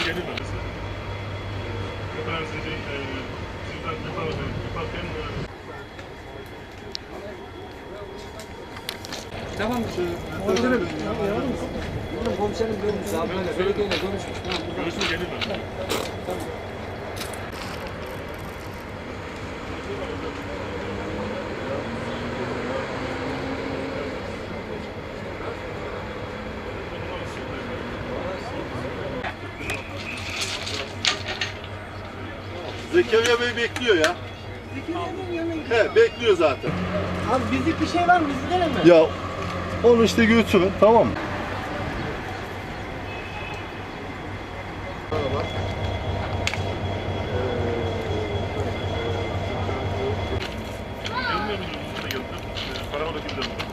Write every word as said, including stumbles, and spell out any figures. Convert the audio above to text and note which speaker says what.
Speaker 1: gelir mi mesela? Efendim sizin, e, sizden yaparken, yaparken e,
Speaker 2: Tamam. Komiserim. Bizim komiserim görmüş. Abi belediyeyle görüşmüş. Tamam.
Speaker 1: görüşme gelir mi?
Speaker 2: Tamam.
Speaker 3: Zekeriya Bey bekliyor ya.
Speaker 4: Zekeriya Bey'in yanına gidiyor.
Speaker 3: He, bekliyor zaten.
Speaker 4: Abi bizlik bir şey var mı? Biz gidelim mi?
Speaker 3: Ya onu işte götürün, tamam mı?
Speaker 1: Gelmiyor muydunuz? Siz de geldiniz. E, Karakola kimden?